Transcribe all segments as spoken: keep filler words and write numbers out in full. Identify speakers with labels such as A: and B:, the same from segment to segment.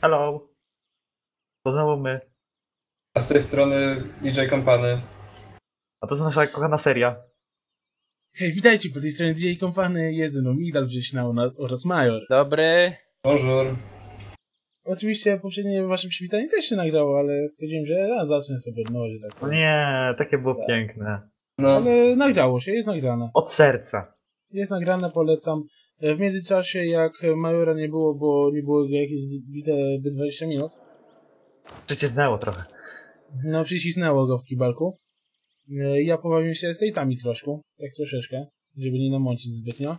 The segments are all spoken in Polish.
A: Hello. To znowu my.
B: A z tej strony D J Company.
A: A to jest nasza kochana seria.
C: Hej, witajcie, po tej stronie D J Company, jest ze mną Migdal Wrześna oraz Major.
D: Dobry.
B: Bonjour.
C: Oczywiście poprzednie wasze przywitanie też się nagrało, ale stwierdziłem, że a, zacznę sobie od nowa, że tak
A: No
C: powiem.
A: nie, takie było
C: Tak.
A: piękne.
B: No,
C: Ale nagrało się, jest nagrane.
A: Od serca.
C: Jest nagrane, polecam. W międzyczasie, jak Majora nie było, bo nie było jakieś bite by dwadzieścia minut,
A: Przycisnęło trochę.
C: no przycisnęło go w kibalku. Ja pobawiłem się estate'ami troszkę, tak troszeczkę, żeby nie namącić zbytnio.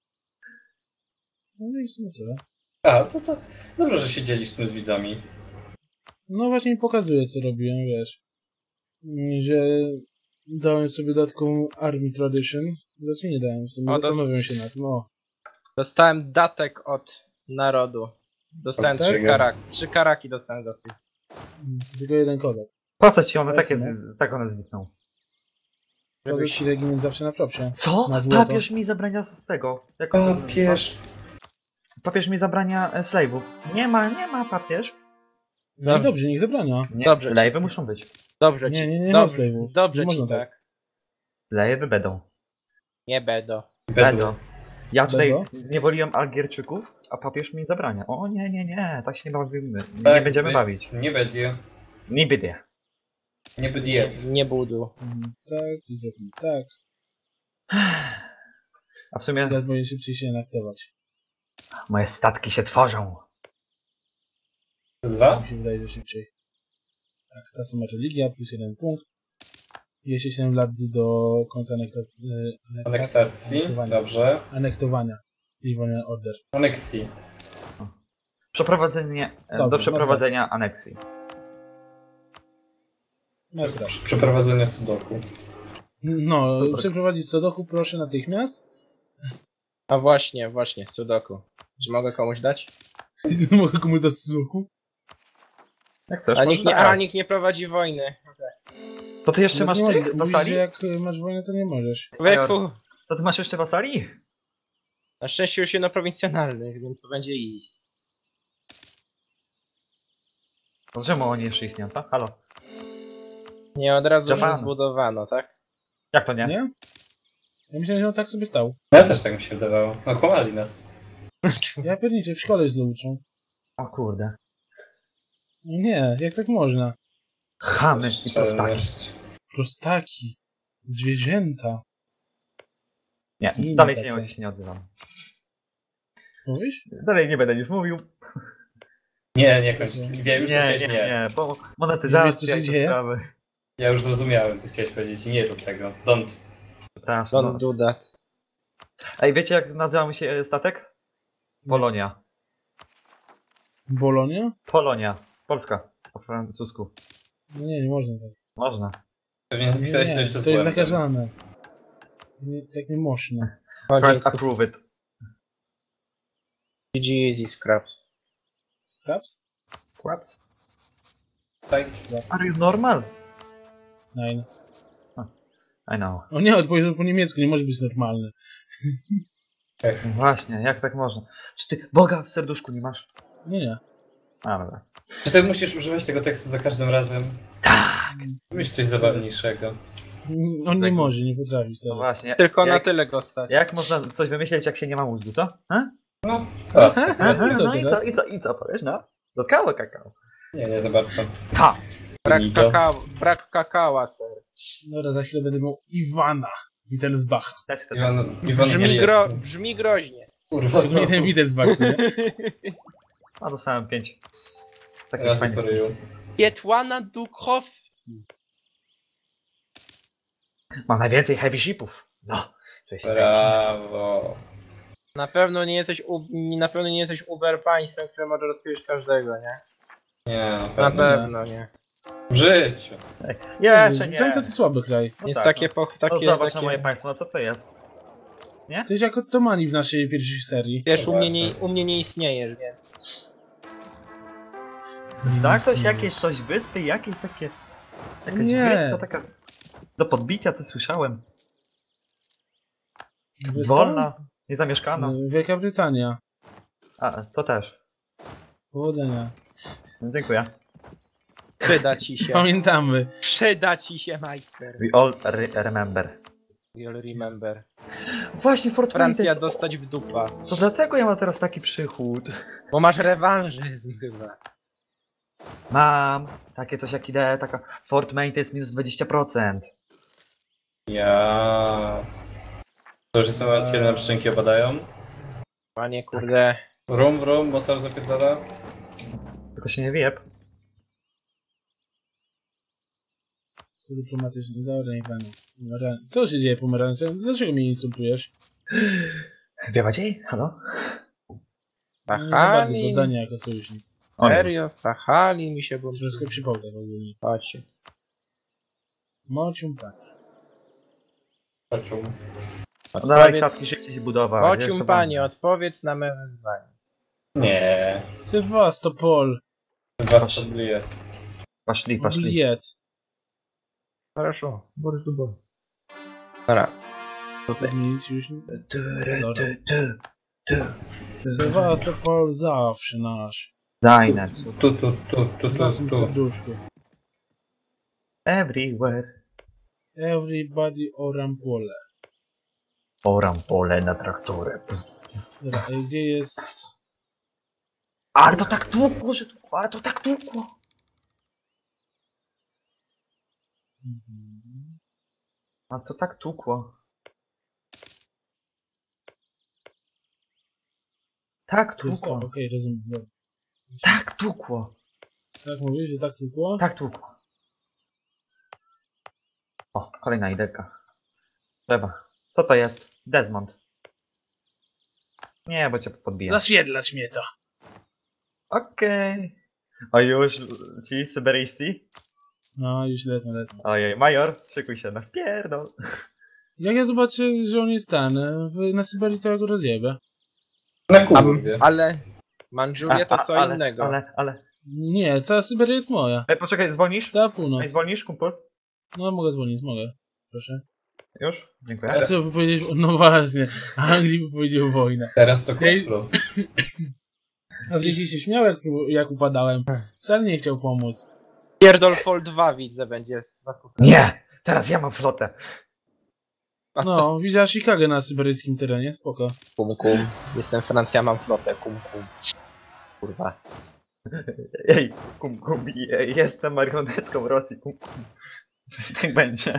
C: No i w sumie tyle.
B: a to, to dobrze, że się dzielisz tym z widzami.
C: No właśnie mi pokazuje, co robiłem, wiesz. Że dałem sobie dodatkową Army Tradition. Znaczy nie dałem sobie,
D: O, to-
C: zastanawiam się nad tym. O,
D: Dostałem datek od narodu. Dostałem
B: Od
D: trzy,
B: czego?
D: karak trzy karaki dostałem za to.
C: tylko jeden kodek.
A: Po co ci one
C: To
A: takie,
C: jest,
A: z, tak one znikną?
C: Kodek ci regiment zawsze na propsie.
A: Co?
C: Na złoto.
A: Papież mi zabrania z tego. Jak on to
B: Papież.
A: nazywa? Papież mi zabrania e, slave'ów. Nie ma, nie ma papież.
C: No i dobrze, niech zabrania.
A: Nie,
D: Dobrze,
A: slave'y
D: ci-
A: muszą być.
D: Dobrze
C: Nie,
D: ci.
C: nie, nie ma
D: dobrze,
C: slave'ów.
D: dobrze
C: Nie
D: ci
C: można
D: tak.
A: Slave'y będą.
D: Nie będą.
A: Będą. Ja tutaj
C: Będą?
A: zniewoliłem Algierczyków, a papież mi zabrania. O nie, nie, nie, tak się nie bawimy. Nie
B: Tak,
A: będziemy
B: być.
A: bawić.
B: Nie będzie.
A: Nie będzie.
B: Nie będzie.
D: Nie, nie budu.
C: Mhm, tak, i zrobimy tak.
A: A w sumie
C: Teraz będzie szybciej się naktować.
A: moje statki się tworzą.
B: Dwa?
C: Mi się wydaje, że szybciej. Tak, ta sama religia, plus jeden punkt. Jeszcze siedem lat do końca anektacji.
B: Anektacji.
C: Anektowania.
B: Dobrze.
C: Anektowania. Livonian Order.
B: Aneksji.
A: Przeprowadzenie, e,
C: Dobrze,
A: do przeprowadzenia aneksji.
C: Masz rację.
B: Przeprowadzenie sudoku.
C: No,
A: Dobra.
C: przeprowadzić Sodoku proszę natychmiast.
D: A właśnie, właśnie, sudoku. Czy mogę komuś dać?
C: Mogę komuś dać Sodoku?
A: Jak chcesz,
D: A
A: możesz
D: nikt nie,
A: dać.
D: a nikt nie prowadzi wojny.
A: To ty jeszcze
C: No,
A: masz
C: nie
A: tych
C: możesz. Mówisz,
A: wasali?
C: że jak y, masz wojnę, to nie możesz.
D: Człowieku,
A: To ty masz jeszcze wasali?
D: na szczęście już jedno prowincjonalnych, więc to będzie iść.
A: To czemu oni jeszcze istnieją, co? Halo?
D: Nie, od razu
A: Japan.
D: już zbudowano, tak?
A: Jak to nie?
C: Nie? Ja myślałem, że on tak sobie stał.
B: Ja też tak mi się wydawało. No kłamali nas.
C: Ja pierniczę, w szkole źle uczą.
A: O kurde.
C: Nie, jak tak można?
A: Chamy i prostaki.
B: Szczelność.
C: Prostaki. Zwierzęta.
A: Nie,
C: Inne
A: dalej
C: takie.
A: się nie, się nie odzywam.
C: Co mówisz?
A: Dalej nie będę nic mówił.
B: Nie, nie kończ. Wiem już, co
A: Nie,
B: chciałeś,
A: nie,
B: nie.
A: nie, bo
C: Nie wiesz,
A: monetyzacja
C: co się
A: i te
C: dzieje?
A: sprawy.
B: Ja już zrozumiałem, co chciałeś powiedzieć. Nie rób tego. Don't.
A: Przepraszam.
D: Don't
A: No.
D: do that.
A: Ej, wiecie jak nazywa mi się statek? Polonia.
C: Bolonia?
A: Polonia. Polska. Po francusku.
C: No nie, nie można tak.
A: Można.
B: Pewnie
C: Nie,
B: napisałeś to
C: nie,
B: jeszcze z
C: to jest
B: błędem.
C: zakazane. Nie, tak nie można.
A: First approve it.
D: G G easy scraps.
C: Scraps?
A: What?
B: Tak.
C: Scraps.
A: Are you normal?
C: Nine.
A: I know.
C: O nie, odpowiedział po niemiecku, nie może być normalny.
B: Tak.
A: Właśnie, jak tak można? Czy ty Boga w serduszku nie masz?
C: Nie, nie.
A: A, dobra.
B: Czy ty musisz używać tego tekstu za każdym razem?
A: Tak!
B: Myśl coś zabawniejszego.
C: On nie
A: Tego.
C: może, nie potrafi
A: No
C: sobie.
A: właśnie.
D: Tylko na
A: jak,
D: tyle go stać.
A: jak można coś wymyśleć, jak się nie ma mózgu, co? Ha?
B: No, a,
A: Aha,
C: i co
A: no i co,
C: teraz?
A: i co, i co powiesz, no? Dotkało kakao.
B: nie, nie za bardzo.
A: Ha!
D: Brak
B: Nito.
D: kakao, brak kakała, ser.
C: Dobra, za chwilę będę miał Iwana Wittelsbacha.
A: Też chcę.
B: Iwan, Iwan
D: Brzmi,
B: nie
D: gro,
B: wie.
D: brzmi groźnie.
B: Kurwa,
C: Szczególnie ten Wittelsbach, co nie?
A: A dostałem pięć. Takich
B: Razy
A: fajnych.
B: po ryju.
D: Pietłana Dukowski.
A: Mam najwięcej heavy shipów. No. To jest
B: Brawo.
D: Na pewno nie jesteś u, na pewno nie jesteś Uber państwem, które może rozpierzyć każdego, nie?
B: Nie, na
D: Na
B: pewno.
D: pewno nie.
B: W życiu.
A: Jeszcze nie.
C: Francja to słaby kraj.
A: No
D: Więc
A: tak,
D: takie,
A: no.
D: po,
A: No
D: takie,
A: zobacz
D: takie...
A: na moje państwo, no co to jest?
C: To jest jak Ottomani w naszej pierwszej serii.
D: Wiesz,
B: No
D: u mnie, nie,
B: właśnie.
D: u mnie nie istniejesz, więc...
A: Tak, coś jakieś, coś wyspy, jakieś takie... Jakaś
C: Nie.
A: wyspa taka... Do podbicia, co słyszałem.
C: Wyspa?
A: Wolna, niezamieszkana.
C: Y, Wielka Brytania.
A: A, to też.
C: Powodzenia.
A: No, dziękuję.
D: Przyda ci się.
C: Pamiętamy.
D: Przyda ci się, majster.
A: We all re remember.
D: You'll remember.
A: Właśnie Fort
D: Francja
A: Wayne.
D: dostać w dupa.
A: To dlatego ja mam teraz taki przychód.
D: Bo masz rewanżyzm chyba.
A: Mam takie coś jak idea, taka Fort Main to jest minus dwadzieścia procent.
B: Ja. To już są kiedy nam szczęki opadają.
D: Panie kurde.
B: Rum, rum, motor zapierdala.
A: Tylko się nie wiep.
C: Co dyplomatyczny, dobra, nie panu. Pomera- Co się dzieje, pomarańcze? Dlaczego mnie insultujesz?
A: Wiewa dzień? Halo?
C: No, nie za bardzo
D: Sachalin.
C: poddania jako sojusznik.
A: O nie.
D: Serio, Sachalin mi się go...
C: Troszkę przypomnę w ogóle.
D: Chodźcie.
C: Mocium tak.
B: Patrzą.
A: No dawaj
D: Odpowiedz-
A: statki szybciej się budować. wiesz,
D: Ocium
A: co
D: panie,
A: tam?
D: odpowiedz na me wezwanie.
B: Nie.
C: Sewastopol.
B: Was to bliet.
A: Poszli, poszli.
C: Bliet.
D: Хорошо, Борис Дубов. Dobra.
C: To nic już nie...
A: Tu, ry, tu, tu, tu.
C: Sewastopol zawsze nasz.
A: Dajne.
B: Tu, tu, tu, tu,
C: W
B: tu,
C: naszym
B: tu.
C: serduszku.
A: Everywhere.
C: Everybody oram pole.
A: Oram pole na traktorem.
C: Dobra, a gdzie jest...
A: Ale to tak tłukło, że tłukło, ale to tak tłukło.
C: Mhm.
A: A to tak tłukło. Tak
C: Tu jest to,
A: tłukło.
C: okej, rozumiem. Dobra.
A: Tak tłukło.
C: Tak mówisz, że tak tylko?
A: Tak tłukło. O, kolejna ideka. Trzeba. Co to jest? Desmond. Nie, bo cię podbiję.
C: Zaświedlać mnie to.
A: Okej. A już ci syberyjscy?
C: No, już lecę, lecę.
A: Ojej, major, szykuj się na wpierdol.
C: Jak ja zobaczę, że on jest ten, w, na Syberii, to ja go rozjebę.
B: Na
D: A,
B: kurwie.
D: ale Mandżuria to
A: A,
D: co
A: ale,
D: innego.
A: Ale, ale.
C: Nie, cała Syberia jest moja.
A: Ej, poczekaj, zwolnisz?
C: Cała
A: Ej,
C: północ.
A: zwolnisz, kumpel?
C: No, mogę dzwonić, mogę. Proszę.
A: Już? Dziękuję.
C: A co wypowiedzieć? No właśnie, Anglii wypowiedział wojnę.
B: Teraz to
C: Ej.
B: kuplo.
C: A wcześniej się śmiał, jak, jak upadałem. Wcale nie chciał pomóc.
D: Pierdol Fall dwa widzę będzie.
A: Nie! Teraz ja mam flotę.
D: A co?
C: No, widziała Chicago na syberyjskim terenie, spoko.
D: Kum kum. Jestem Francja, mam flotę, kum kum. Kurwa.
A: Ej, kum, kum, ej, jestem marionetką Rosji, kum, kum. Tak będzie.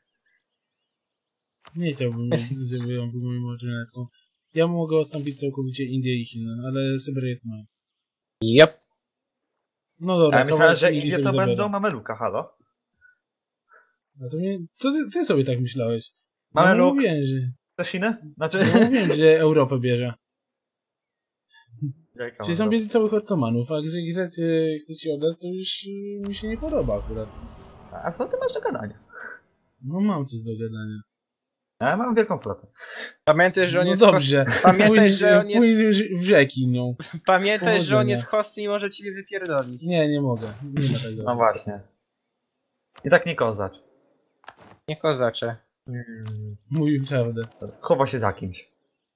C: Nie chciałbym, żeby on był moją marionetką. Ja mogę ostąpić całkowicie Indię i Chiny, ale Syberia jest moja.
D: Jep.
C: No dobra,
A: A ja myślałem,
C: kawałek
A: że
C: Indii
A: Indie
C: sobie
A: to
C: zabiorę.
A: będą mameluka, halo?
C: No to, nie, to ty, ty sobie tak myślałeś. No
A: Mameluk,
C: mówiłem, że,
A: chcesz Chiny? Znaczy...
C: no mówiłem, że Europę bierze.
A: Jajka
C: Czyli są
A: mam
C: bierze całych Ottomanów, a jeżeli Grecy chcecie oddać, to już y, mi się nie podoba akurat.
A: do- A co ty masz do gadania?
C: No mam coś do gadania.
A: Ja mam wielką flotę.
D: Pamiętaj, że on
C: No
D: jest
C: dobrze.
D: Pamiętaj,
C: Płyń-
D: że on jest-
C: płyń w rzeki nią.
D: Host... Pamiętaj, że on
C: Powodzenia.
D: jest host i może ci wypierdolić.
C: Nie, nie mogę. Nie ma tego.
A: No właśnie. I tak nie kozacz.
D: Nie kozacze.
A: Mm,
C: Mówił prawdę.
A: chowa się za kimś.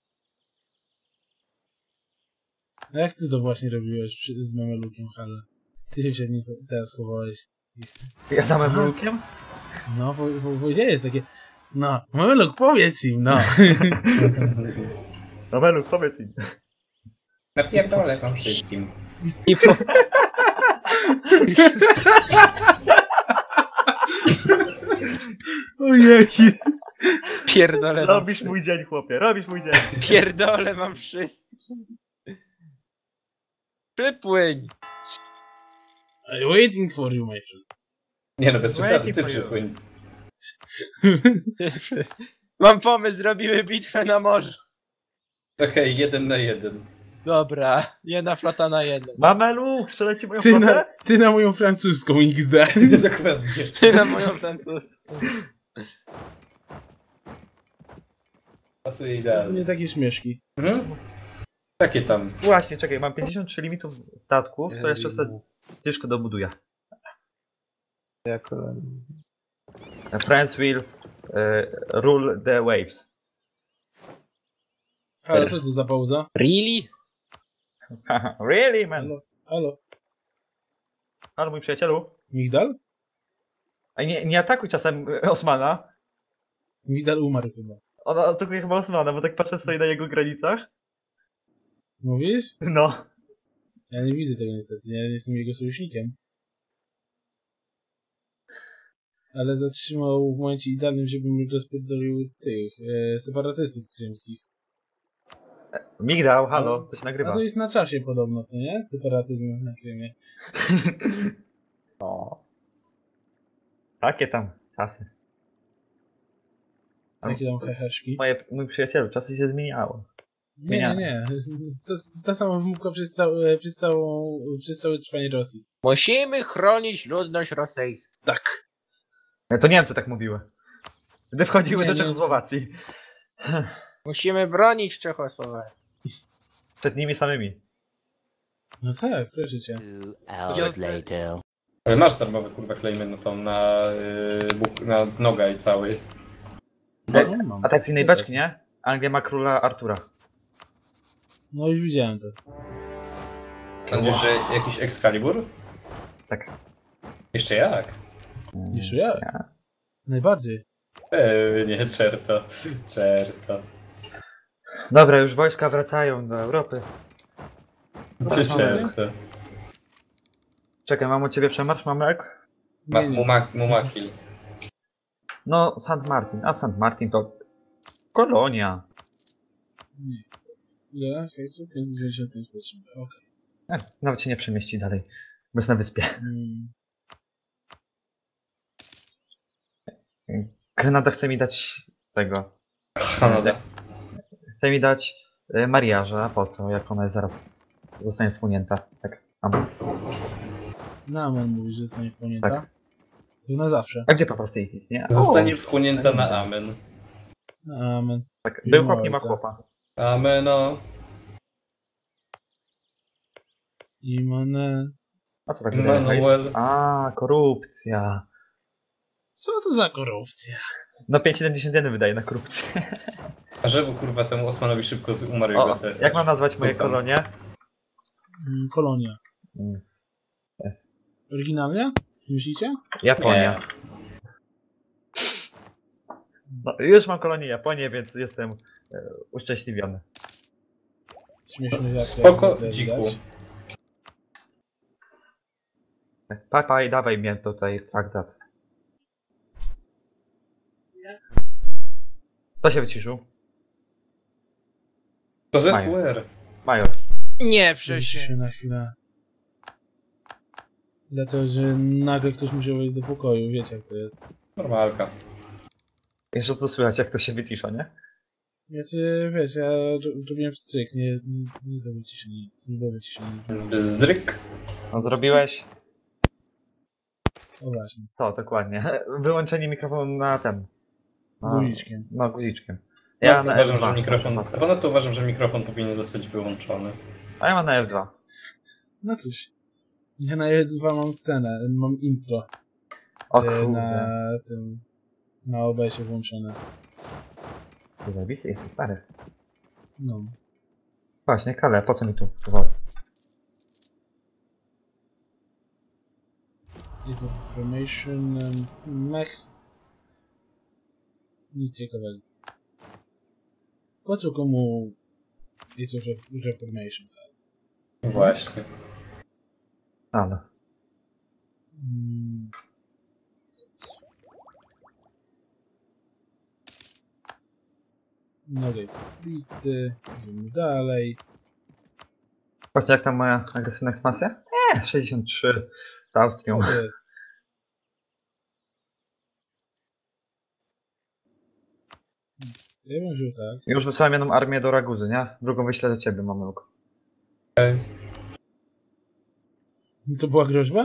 C: A jak ty to właśnie robiłeś przy, z Mamelukiem, Hale? Ty się przed nim teraz chowałeś.
A: Ja za mamelukiem?
C: No, po, po, powiedziałeś takie... No, Mameluk, powiedz im, no.
A: Mameluk, powiedz im.
B: Napierdolę wam wszystkim.
D: I po...
C: Ojej.
D: Pierdolę mam,
A: Robisz mój dzień, chłopie, robisz mój dzień.
D: pierdolę mam wszystkim. Przypłyń.
C: I'm waiting for you, my friend.
B: Nie no, bez przesady,
A: Waiting
B: ty
A: for you.
B: przypłyń.
D: Mam pomysł, zrobimy bitwę na morzu.
B: Okej, jeden na jeden.
D: Dobra, jedna flota na jedną.
A: Mameluk, sprzedaj ci moją
C: Ty na,
A: flotę?
C: ty na moją francuską X D.
B: Dokładnie.
D: Ty na moją francuską.
B: Pasuje
C: Nie
B: idealnie.
C: takie śmieszki.
B: Mhm. Takie tam.
A: Właśnie, czekaj, mam pięćdziesiąt trzy limitów statków, to jeszcze sobie ciężko dobuduję.
D: Jako...
A: France will e, rule the waves.
C: Ale co to za pauza?
D: Really?
A: Really, man?
C: Halo, halo.
A: Ale mój przyjacielu.
C: Migdal?
A: A nie, nie atakuj czasem e, Osmana.
C: Migdal umarł chyba.
A: Ona atakuje chyba Osmana, bo tak patrzę, stoi na jego granicach.
C: Mówisz?
A: No.
C: Ja nie widzę tego niestety, ja nie jestem jego sojusznikiem. Ale zatrzymał w momencie idealnym, żebym rozpierdolił tych e, separatystów krymskich.
A: Migdał, halo,
C: No.
A: to się
C: A
A: nagrywa.
C: to jest na czasie podobno, co nie? Separatyzm na Krymie.
A: O. Takie tam czasy.
C: Jakie tam heheszki.
A: Moje, mój przyjacielu, czasy się zmieniało.
C: Nie, nie, nie. To jest ta sama wymówka przez, całe, przez, całą, przez całe trwanie Rosji.
D: Musimy chronić ludność rosyjską.
C: Tak.
A: E, To Niemcy tak mówiły. Gdy wchodziły
C: Nie,
A: do
C: nie.
A: Czechosłowacji.
D: Musimy bronić Czechosłowacji.
A: Przed nimi samymi.
C: No tak, proszę cię.
E: Two hours later.
B: Ale masz darmowe kurwa klejmy na tą, na, yy, buk, na nogaj cały.
C: No, mam.
A: Atrakcyjnej beczki, nie? Anglia ma króla Artura.
C: No już widziałem to.
B: Sądzisz, że jakiś Excalibur?
A: Tak.
B: Jeszcze jak?
C: Jeszcze ja? Najbardziej.
B: Pewnie, czerto. Czerto.
A: Dobra, już wojska wracają do Europy.
B: Czy czerto?
A: Czekaj, mam u ciebie przemarsz, Mamek?
B: Ma,
C: Nie, nie.
B: mumak, mumakil.
A: No, Saint Martin. A Saint Martin to kolonia.
C: Nic. Ile? Hejsu? pięćset dziewięćdziesiąt pięć potrzeby. Okej.
A: E, nawet się nie przemieści dalej. Bo jest na wyspie.
C: Mm.
A: Grenada chce mi dać tego.
B: Kanada.
A: Chce mi dać y, mariaża. A po co? Jak ona jest zaraz zostanie wchłonięta. Tak. Amen.
C: Na amen mówisz, że zostanie wchłonięta?
A: Tak.
C: To na zawsze.
A: A gdzie po prostu jest, nie?
B: Zostanie
A: O,
B: wchłonięta na amen.
C: Na amen.
A: tak.
C: Nie
A: Był
C: ma
A: chłop, nie ma
C: ojca.
A: chłopa.
B: Ameno.
C: Imane.
A: A co tak
B: Manuel.
A: wydaje? A, korupcja.
C: Co to za korupcja?
A: No pięć przecinek siedemdziesiąt jeden wydaje na korupcję.
B: A żeby kurwa temu Osmanowi szybko z- umarł
A: O,
B: jego sesja.
A: jak mam nazwać moje
B: Sultan.
A: kolonie?
C: Mm, Kolonia.
A: Mm,
C: Oryginalnie? Myślicie?
A: Japonia.
B: Nie.
A: No, już mam kolonię Japonię, więc jestem e, uszczęśliwiony.
C: Śmieszny jak
B: Spoko,
C: jak widać.
B: dziku.
A: Papaj, dawaj mnie tutaj traktat. Kto się wyciszył?
B: To zespół
A: Mają.
B: R.
A: Major.
D: Nie,
C: Przecież
D: przecież.
C: się na chwilę. Dlatego, że nagle ktoś musiał wejść do pokoju, wiecie jak to jest.
B: Normalka.
A: Jeszcze co słychać, jak to się wycisza, nie?
C: Więc wiesz, ja ro- zrobiłem stryk, nie, nie, nie to wyciszenie, nie było wyciszenie.
B: Zdryk.
A: No zrobiłeś
C: O właśnie,
A: to, dokładnie. Wyłączenie mikrofonu na ten. No,
C: guziczkiem.
A: no guziczkiem.
B: Ja
A: Ja na
B: uważam,
A: F dwa.
B: że mikrofon. Ponadto uważam, że mikrofon powinien zostać wyłączony.
A: A ja mam na F dwa.
C: No cóż, ja na F dwa mam scenę, mam intro
A: O
C: e,
A: kurde.
C: na tym, na O B S-ie włączone.
A: Zajebisty jesteś stary.
C: No.
A: Właśnie, Kale, po co mi tu wywód?
C: Is of Reformation, um, mech. Nic ciekawego. Po co komu Is of Reformation?
B: Właśnie.
A: Ale.
C: Mm. No okej, bity, idziemy dalej.
A: Właśnie jak tam moja agresywna ekspansja? Nie, sześćdziesiąt trzy z Austrią.
C: Co to jest? Ja bym wziął tak.
A: Już wysłałem jedną armię do Raguzy, nie? Drugą wyślę do ciebie, Mamełku.
C: To była groźba?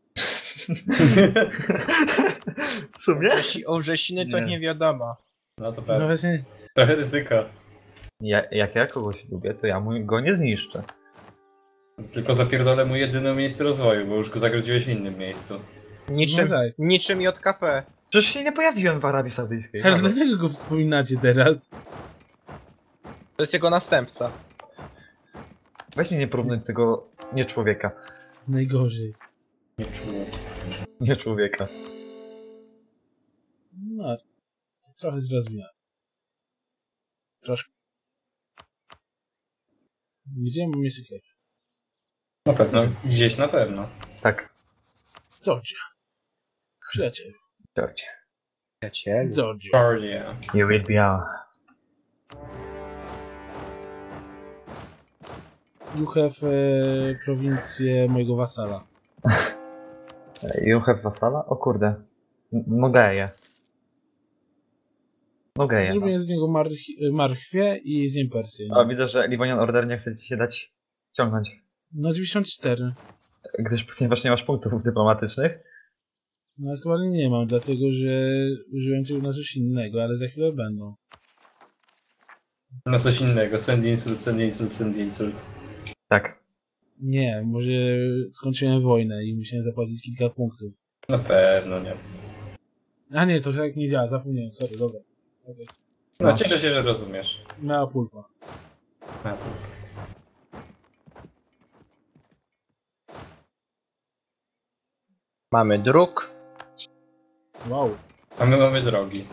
A: W sumie?
D: Wrzesi- O Wrzesiny to
A: Nie.
D: nie wiadomo.
B: No to
C: No
B: prawda.
C: właśnie.
B: Trochę ryzyka.
A: Ja, jak ja kogoś lubię, to ja mu go nie zniszczę.
B: Tylko zapierdolę mu jedyne miejsce rozwoju, bo już go zagrodziłeś w innym miejscu.
D: Niczym,
C: No tak.
D: niczym J K P.
A: Przecież się nie pojawiłem w Arabii Saudyjskiej.
C: Ale
A: Halo.
C: dlaczego go wspominacie teraz?
D: To jest jego następca.
A: Weź mnie nie porównuj tego nie człowieka.
C: Najgorzej.
B: Nie czuję.
A: Nie człowieka.
C: No, trochę zrozumiałem. Troszkę. Gdzie mam miejsce chleb?
B: Na pewno. Gdzieś na pewno.
A: Tak.
C: Georgia. Przyjaciel.
A: George.
D: Przyjacielu.
C: Georgia.
B: Georgia.
A: You will be our...
C: You have e, prowincję mojego wasala.
A: You have wasala? O kurde. M- Mogę je. Mogę je. No.
C: Zrobię z niego march- marchwię i zjem Persję.
A: O, widzę, że Livonian Order nie chce ci się dać ciągnąć.
C: No dziewięćdziesiąt cztery.
A: Gdyż ponieważ nie masz punktów dyplomatycznych.
C: No aktualnie nie mam, dlatego że użyłem tego na coś innego, ale za chwilę będą.
B: No coś innego. Send insult, send insult, send insult.
A: Tak.
C: Nie, może skończyłem wojnę i musiałem zapłacić kilka punktów.
B: Na pewno nie.
C: A nie, to tak nie działa, zapomniałem, sorry, dobra. Okay.
B: No,
A: No.
B: cieszę się, że rozumiesz.
C: Mała pulpa.
B: Na pewno.
D: Mamy druk.
C: Wow.
B: A my mamy drogi.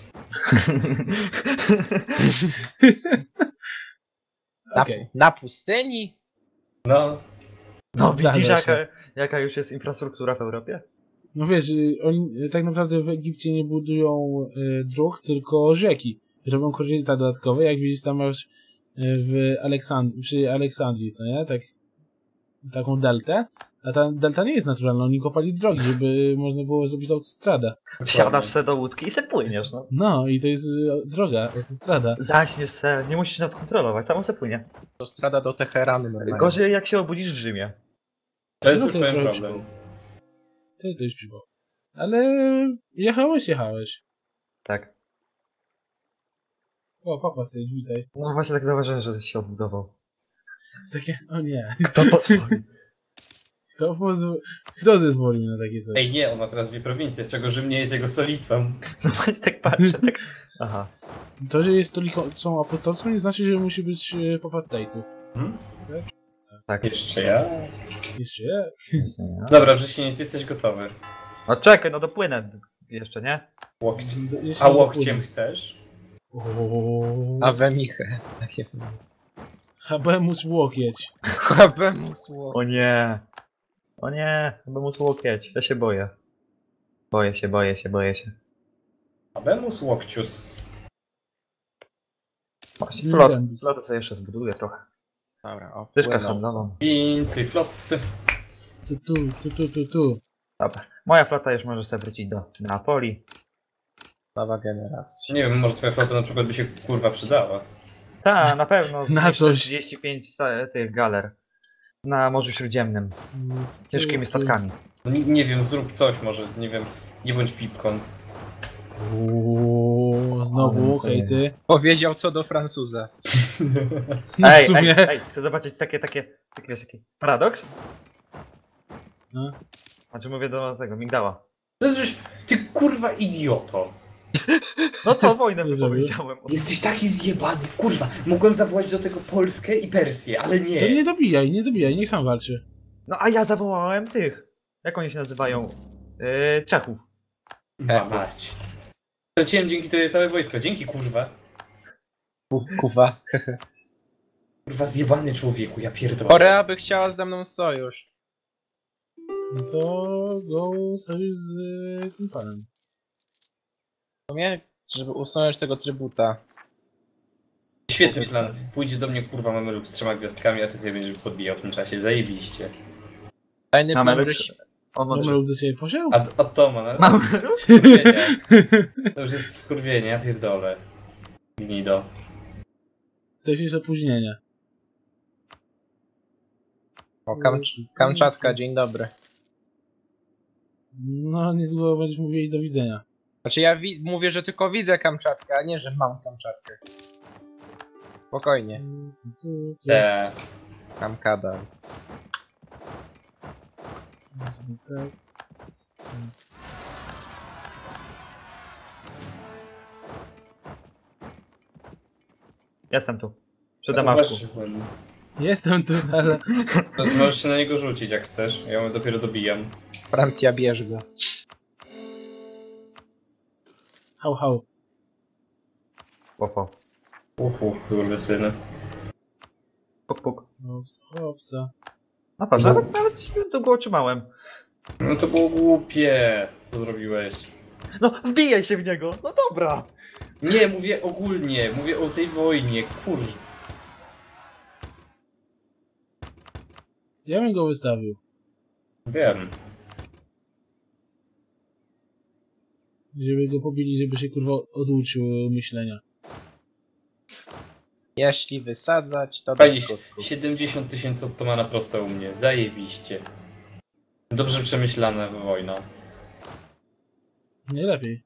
D: Na,
C: Okej.
D: na pustyni.
B: No.
A: No
C: Zdarza
A: widzisz
C: się.
A: jaka, jaka już jest infrastruktura w Europie?
C: No wiesz, y, oni y, tak naprawdę w Egipcie nie budują y, dróg, tylko rzeki. Robią koryta dodatkowe, jak widzisz tam masz y, w Aleksand- przy Aleksandrii, co nie? Tak, taką deltę. A ta delta nie jest naturalna, oni kopali drogi, żeby można było zrobić autostradę.
A: Wsiadasz se do łódki i se płyniesz, no.
C: No i to jest y, droga, autostrada.
A: Zaśniesz se, nie musisz nawet kontrolować, samo se płynie.
D: To strada do Teheranu normalnie.
A: Gorzej jak się obudzisz w Rzymie.
B: To jest
C: No
B: już
C: to
B: pewien
C: trochę
B: problem.
C: Co to już przybyło? Ale jechałeś, jechałeś.
A: Tak.
C: O, papa stoi, witaj.
A: No właśnie tak zauważyłem, że się odbudował.
C: Takie, o nie.
A: Kto pozwolił?
C: Kto, pozw- Kto zezwolił na takie coś?
B: Ej, nie, on ma teraz dwie prowincje, z czego Rzym nie jest jego stolicą.
A: No właśnie tak patrzę, tak... Aha.
C: To, że jest stolicą apostolską, nie znaczy, że musi być e, papa state'u.
B: Hmm?
A: Tak.
B: Jeszcze ja?
C: Jeszcze jak?
B: Dobra, wrześnieniec, jesteś gotowy.
A: No czekaj, no dopłynę jeszcze, nie?
B: Łokciem.
C: Do- jeszcze
B: A
C: nie
B: łokciem
C: dopłynę.
B: chcesz?
C: Ooo.
D: A wemichę. Takie...
C: Habemus łokieć.
D: Habemus ło.
A: O nie. O nie, chyba mu łokieć. Ja się boję. Boję się, boję się, boję się.
B: Abemus łokcius.
A: Właśnie,
C: Nie
A: flot,
C: będę.
A: flotę sobie jeszcze zbuduję trochę.
D: Dobra, o.
A: Dyszkę
D: płynął.
A: handlową.
B: Więcej floty.
C: Tu, tu, tu, tu, tu, tu.
A: Dobra. Moja flota już może sobie wrócić do Neapoli.
D: Nowa generacja.
B: Nie wiem, może twoja flota na przykład by się kurwa przydała.
A: Ta, na pewno.
C: Na
A: zniszczę
C: coś.
A: trzydzieści pięć sa- tych galer. Na Morzu Śródziemnym. Ciężkimi
C: Tu, tu.
A: statkami.
B: No, nie, nie wiem, zrób coś może, nie wiem, nie bądź pipką.
C: Uuu, znowu,
A: Ale
C: okej,
A: to
C: ty.
D: Powiedział co do Francuza.
C: No
A: Ej,
C: w sumie.
A: ej, ej, chcę zobaczyć takie, takie, taki, wiesz, taki paradoks?
C: No.
A: Znaczy mówię do tego, migdała.
B: To jest, żeś, ty kurwa idioto.
A: No co, wojnę
C: Co zrobił?
A: wypowiedziałem.
B: Jesteś taki zjebany, kurwa. Mogłem zawołać do tego Polskę i Persję, ale nie.
C: To nie dobijaj, nie dobijaj, niech sam walczy.
A: No a ja zawołałem tych. Jak oni się nazywają? Yy, Czechów.
B: Ma mać. Straciłem dzięki tobie całe wojsko, dzięki kurwa.
D: Ku- Kuwa.
B: Kurwa zjebany człowieku, ja pierdolę.
D: Korea by chciała ze mną sojusz.
C: No to go sojusz z y, tym panem.
D: W sumie, żeby usunąć tego trybuta.
B: Świetny plan. Pójdzie do mnie kurwa Mameluk z trzema gwiazdkami, a ty sobie będziesz podbijał w tym czasie. Zajebiście.
D: Tajny plan,
A: Mamy
D: żeś...
A: On może...
C: Mamy do siebie posiał?
B: A, a Toma, no?
A: Mamy
B: Skurwienie. To już jest skurwienie, ja pierdolę. Gnido.
C: To już jest opóźnienie.
D: O, Kam... Kamczatka, dzień dobry.
C: No, niedługo będziesz mówili do widzenia.
D: Znaczy ja wi- mówię, że tylko widzę Kamczatkę, a nie, że mam Kamczatkę. Spokojnie.
C: Tu, tu, tu.
B: Te.
D: Kamkada.
C: Tak.
A: Jestem tu. Przy Damaszku.
B: Zauważyłem.
C: Jestem tu, ale...
B: To możesz się na niego rzucić jak chcesz, ja ją dopiero dobijam.
D: Francja, bierz go.
C: Hał, hał.
A: Oho.
B: Uf, uf, kurwysyny.
A: Puk, puk.
C: Hopsa, hopsa.
A: No patrz,
B: No.
A: nawet, nawet to go otrzymałem.
B: No to było głupie, co zrobiłeś.
A: No, wbijaj się w niego! No dobra!
B: Nie, mówię ogólnie, mówię o tej wojnie, kur...
C: Ja bym go wystawił.
B: Wiem.
C: Żeby go pobili, żeby się kurwa oduczył myślenia.
D: Jeśli wysadzać, to
B: Pani,
D: bez skutku.
B: siedemdziesiąt tysięcy ottomana prosto u mnie, zajebiście. Dobrze przemyślana wojna.
C: Nie lepiej.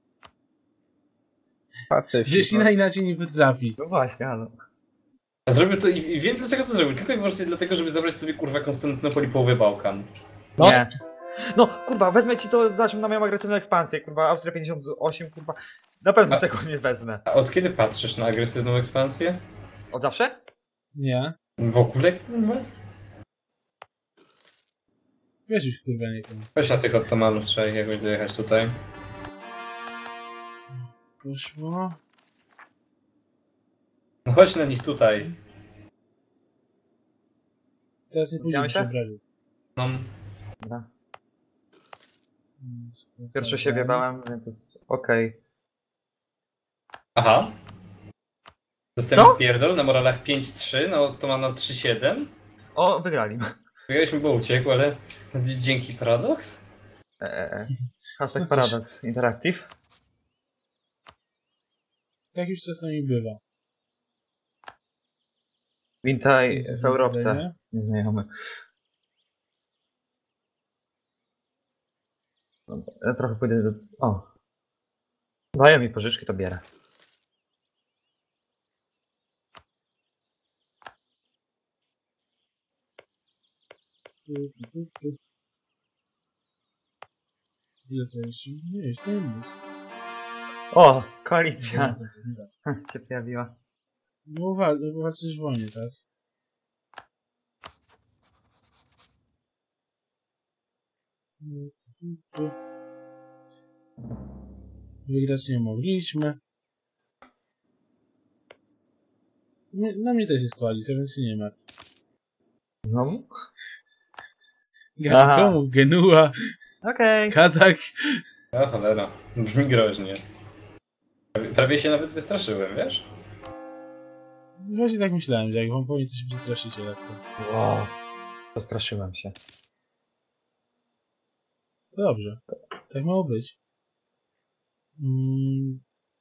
D: Pacyfik.
C: Jeśli na inaczej nie potrafi.
A: No właśnie, ale...
B: Zrobił to i i wiem dlaczego to zrobił, tylko i wyłącznie dlatego, żeby zabrać sobie kurwa Konstantynopol i połowę Bałkan.
D: No.
A: Nie. No, kurwa, wezmę ci to, zacznę na moją agresywną ekspansję, kurwa, Austria pięćdziesiąt osiem, kurwa. Na pewno
B: A-
A: tego nie wezmę.
B: A od kiedy patrzysz na agresywną ekspansję?
A: Od zawsze?
C: Nie.
B: W ogóle kurwa?
C: Wiesz już kurwa nie wiem.
B: Weź na tych ottomanów, trzeba ich jakoś dojechać tutaj.
C: Poszło.
B: No chodź na nich tutaj.
C: Teraz nie pójdziemy
A: Widziałeś
C: się
A: się?
C: obraził.
B: No.
A: Dobra.
C: Mm,
A: Pierwszy się wiebałem, więc jest okej.
B: Aha.
A: Co?
B: Dostałem pierdol na moralach pięć trzy, no to ma na trzy siedem.
A: O, wygrali.
B: Wygraliśmy, bo uciekł, ale dzięki Paradox?
A: Eee, hashtag
C: No cóż.
A: Paradox Interactive.
C: Tak już czasami bywa.
A: Witaj
C: Jest
A: w Europce.
C: widzenie.
A: Nieznajomy. Dobra, ja trochę pójdę do... O. Dają mi pożyczki, to bierę.
C: Tu, tu, tu, tu. Ile to jest? Nie, jest nie jest.
A: O, koalicja
C: Dobra, dobra.
A: się pojawiła.
C: No wal, walczysz w wojnie, tak? Tu, tu, tu. Wygrać nie mogliśmy. Nie, na mnie też jest koalicja, więc się nie martw.
A: Znowu?
C: Gazikomu, Genua,
A: Okej.
C: Kazak.
B: O cholera, brzmi groźnie. Prawie, prawie się nawet wystraszyłem, wiesz?
C: Właśnie tak myślałem, że jak wam powiem, to się przestraszycie lekko.
A: Wow. Postraszyłem się.
C: To dobrze. Tak miało być. Mm.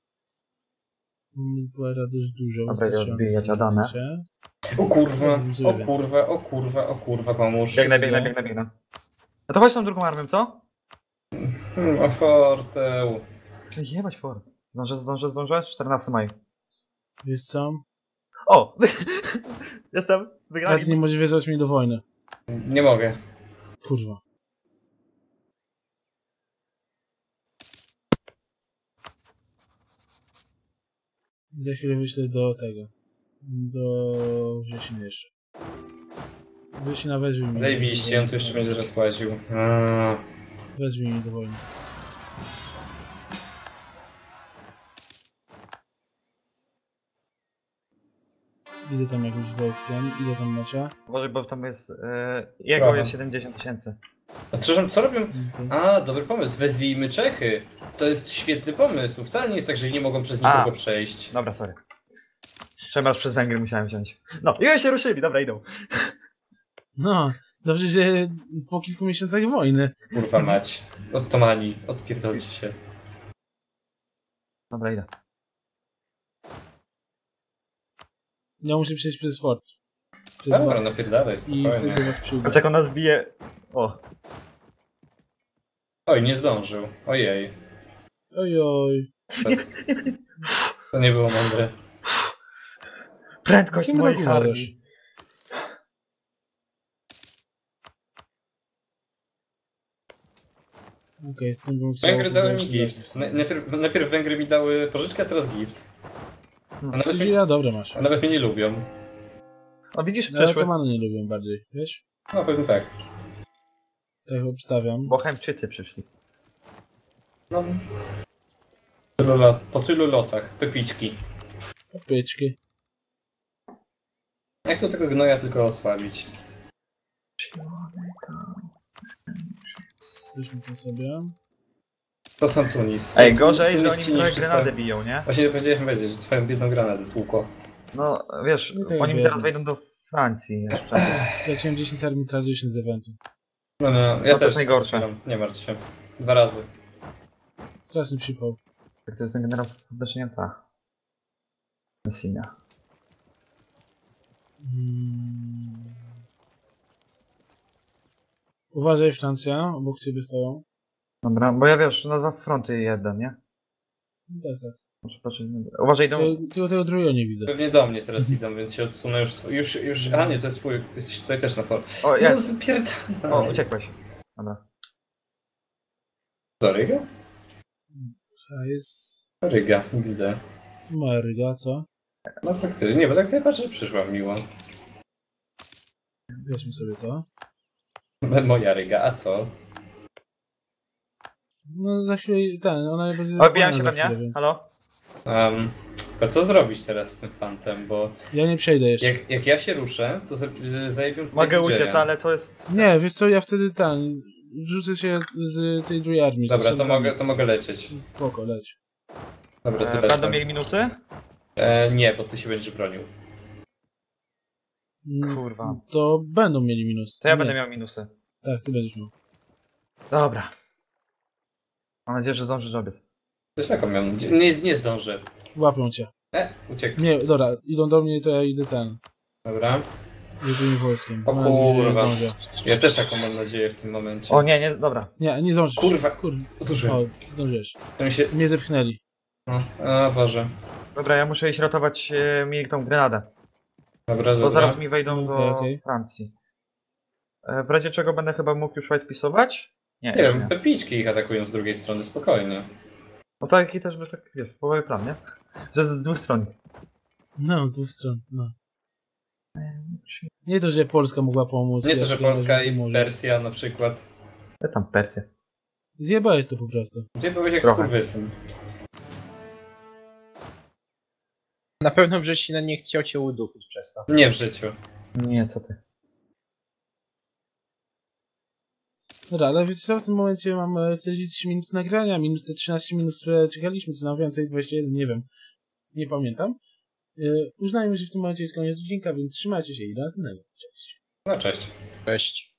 C: Mamy Była dość dużo.
A: Dobra,
C: wystarczająco
A: odbijać
C: w tym
A: Adamę.
C: momencie.
B: O kurwa,
C: Dużo
B: o
C: więcej.
B: kurwa, o kurwa, o kurwa, pomóż.
A: Biegnę, biegnę, biegnę, biegnę. No to chodź tą drugą armią, co?
B: Hmm, o forteł.
A: Jebać for. Zdążę, zdążę, zdążę? czternastego maja.
C: Wiesz co?
A: O! Jestem!
C: Ale ty nie
A: Wygrali!
C: możesz wezwać mnie do wojny.
B: Nie mogę.
C: Kurwa. Za chwilę wyślę do tego. Do wrzesień jeszcze. Wrzesień wezwij mnie.
B: Zajebiście, on tu jeszcze będzie rozpłacił. Eee.
C: Wezwij mnie do wojny. Idę tam jakimś wojskiem, idę tam macie.
A: Może, bo tam jest... E, jego
B: Dobra.
A: jest siedemdziesiąt tysięcy.
B: A przepraszam, co robią?
C: Mhm.
B: A, dobry pomysł, wezwijmy Czechy. To jest świetny pomysł. Wcale nie jest tak, że nie mogą przez
A: A.
B: nikogo przejść.
A: Dobra, sorry. Przemarsz przez Węgry musiałem wziąć. No, i oni się ruszyli, dobra, idą.
C: No, dobrze, że po kilku miesiącach wojny.
B: Kurwa mać. Ottomani, odpierdolcie się.
A: Dobra, idę.
C: Ja muszę przejść przez fort. Przez
B: Dobra,
C: dwa-
B: napierdalaj,
C: I
B: spokojnie.
C: wtedy was przyjdę.
A: Patrz jak on nas bije. O,
B: Oj, nie zdążył. Ojej.
C: Oj, oj.
B: To, jest... to nie było mądre.
A: prędkość
C: Jakim
A: moich
C: roku
A: armii.
C: Okej, okay, z tym bym chciał...
B: Węgry dały mi
C: zobaczyć-
B: gift. Na- Najpierw, najpierw Węgry mi dały pożyczkę, a teraz gift. A nawet,
C: Czyli
B: mnie,
C: ja dobre masz.
B: a nawet mnie nie lubią.
A: O, widzisz,
C: No, ale
A: przeszły.
C: to many nie lubią bardziej, wiesz?
B: No pewnie tak.
C: Tak obstawiam.
A: Bo Chemczycy przyszli.
B: No. Tylu lot, po tylu lotach, pepiczki.
C: Popyczki.
B: Jak to tego gnoja tylko osłabić?
C: Weźmy to sobie.
B: To tam Tunis.
A: Ej, gorzej, że
B: Tunis
A: oni
B: ci
A: mi trochę
B: niszczy
A: granadę
B: twoje-
A: biją, nie?
B: Właśnie powiedziałem powiedzieć, że twoją biedną granadę tłukło.
A: No, wiesz,
C: No tak
A: oni mi
C: wiem.
A: zaraz wejdą do Francji jeszcze.
C: Straciłem dziesięć armii tradition z eventu.
B: No, no, ja
A: No to
B: też
A: jest najgorsze.
B: strzelam, nie martw się. Dwa razy.
C: Straszny przypał.
A: Tak to jest ten generał z obecnięta. Messina.
C: Hmm. Uważaj, Francja, obok ciebie stoją.
A: Dobra, bo ja wiesz, nazwa fronty jeden, nie?
C: No tak, tak.
A: Muszę patrzeć. Uważaj, idą.
C: Ty- Tylko tego drugiego nie widzę.
B: Pewnie do mnie teraz idą, więc się odsunę już. sw- Już, już. A nie, to jest twój. Jesteś tutaj też na for.
A: O,
B: No
A: jest.
B: spierdalaj.
A: O, uciekłeś. Dobra.
B: To Ryga?
C: A jest...
B: Ryga, X D.
C: Maryga, co?
B: No faktycznie, nie, bo tak sobie patrzę, że przyszła miło.
C: Weźmy sobie to.
B: Moja Ryga, a co?
C: No za chwilę ten, ona będzie...
A: Odbijam się
C: za
A: we
C: chwilę,
A: mnie.
C: więc-
A: Halo?
B: Um, a co zrobić teraz z tym fantem, bo
C: Ja nie przejdę jeszcze.
B: jak, jak ja się ruszę, to za- zajebią tutaj
A: Mogę
B: D J a.
A: uciec, ale to jest.
C: Nie, wiesz co, ja wtedy ten... Rzucę się z tej drugiej armii. z
B: Dobra, to
C: strzelcami.
B: mogę, to mogę lecieć.
C: Spoko, leć.
B: Dobra, ty
A: E,
B: lecę.
A: będą mieli minusy?
B: E, nie, bo ty się będziesz bronił.
C: Mm,
A: Kurwa.
C: To będą mieli minus.
A: To ja
C: Nie.
A: będę miał minusy.
C: Tak, ty będziesz miał.
A: Dobra. Mam nadzieję, że zdążysz obiec.
B: Też taką miałem. Nie, nie zdążę.
C: Łapią cię.
B: E, uciekł.
C: Nie, dobra, idą do mnie, to ja idę ten.
B: Dobra.
C: Jedynym wojskiem.
B: O
C: Mam nadzieję, że
B: kurwa.
C: zdążę.
B: Ja też taką mam nadzieję w tym momencie.
A: O nie, nie, dobra.
C: Nie, nie zdążysz.
B: Kurwa.
C: Kurwa.
B: Zdążyłem.
C: O, zdążyłeś.
B: To mi się...
C: Mnie zepchnęli.
B: No, a Boże.
A: Dobra, ja muszę iść ratować e, mi tą grenadę.
B: Dobra,
A: Bo
B: dobra.
A: zaraz mi wejdą do
C: Okej, okej.
A: Francji. E, w razie czego będę chyba mógł już white pisować? Nie,
B: Nie
A: jeszcze
B: wiem,
A: nie.
B: pepiczki ich atakują z drugiej strony, spokojnie.
A: No taki też by tak, wiesz, połowy plan, nie? Że z dwóch stron.
C: No, z dwóch stron, no. Nie to, że Polska mogła pomóc.
B: Nie to,
C: ja
B: że
C: wiem,
B: Polska
C: ty
B: i
C: możesz.
B: Persja na przykład.
A: Ja tam Percję.
C: Zjebałeś to po prostu.
B: Gdzie byłeś jak
A: Trochę.
B: skurwysyn?
D: Na pewno Wrzesina nie chciał cię udupić przez to.
B: Nie w życiu.
A: Nie, co ty.
C: Dobra, ale wiecie co, w tym momencie mam e, czterdzieści trzy minuty nagrania, minus te trzynaście minut, które czekaliśmy, co na więcej, dwadzieścia jeden, nie wiem. Nie pamiętam. E, uznajmy, że w tym momencie jest koniec odcinka, więc trzymajcie się i do następnego. Cześć.
B: No cześć.
D: Cześć.